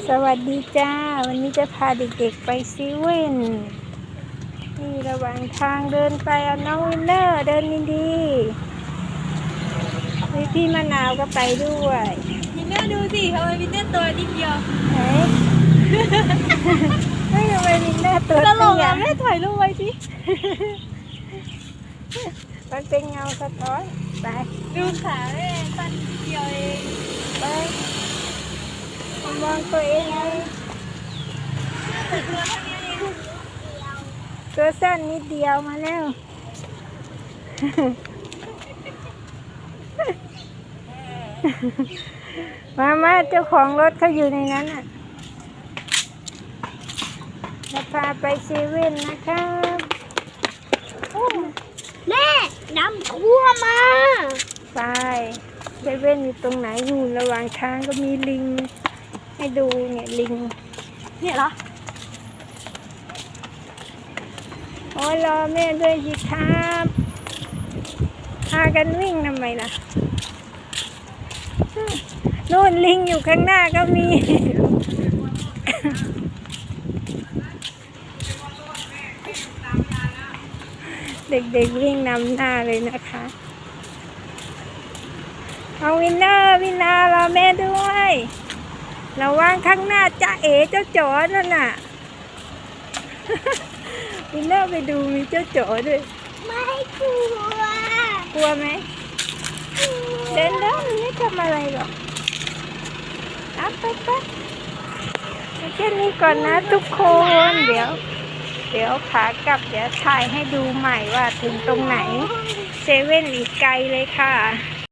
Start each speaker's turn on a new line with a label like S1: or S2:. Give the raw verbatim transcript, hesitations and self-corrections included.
S1: สวัสดีจ้าวันนี้จะพาเด็กๆไปเซเว่นนี่ระหว่างทางเดินไปเอาน้องวินเนอร์เดินดีๆมีพี่มะนาวก็ไปด้วย
S2: วินเนอร์ดูสิทำไมวินเนอร์ตัวนิดเดียว
S1: ไหนไม่ทำไมวินเนอร์ตัว
S2: ตลก
S1: เตี้ย
S2: อ่ะแม่ถ่ายรูปไว้สิ
S1: มันเป็นเงาสะท้อนไป
S2: ดูขาแม่สั้นนิดเดียวเอง
S1: ไปมองตัวเองไงตัวสั้นนิดเดียวมาแล้วมามาเจ้าของรถเขาอยู่ในนั้นอ่ะจะพาไปเซเว่นนะครับ
S2: แม่น้ำท่วมมา
S1: ไปเซเว่นอยู่ตรงไหนอยู่ระหว่างทางก็มีลิงให้ดูเนี่ยลิง
S2: เนี่ยเหรอ
S1: โอ้รอแม่ด้วยสิครับพากันวิ่งทำไมล่ะนู่นลิงอยู่ข้างหน้าก็มี เด็กๆวิ่งนำหน้าเลยนะคะเอาวินเนอร์วินนารอแม่ด้วยระวังข้างหน้าจ้าเอ๋เจ้าจ๋อนั่นน่ะ วินเนอร์ไปดูมีเจ้าจ๋อด้วย
S2: ไม่กลัว
S1: กลัวไหมเดินเดินไม่ทำอะไรหรอกเอาไปไปแค่นี้ก่อนนะทุกคนเดี๋ยวเดี๋ยวขากลับเดี๋ยวถ่ายให้ดูใหม่ว่าถึงตรงไหนเซเว่นอีกไกลเลยค่ะ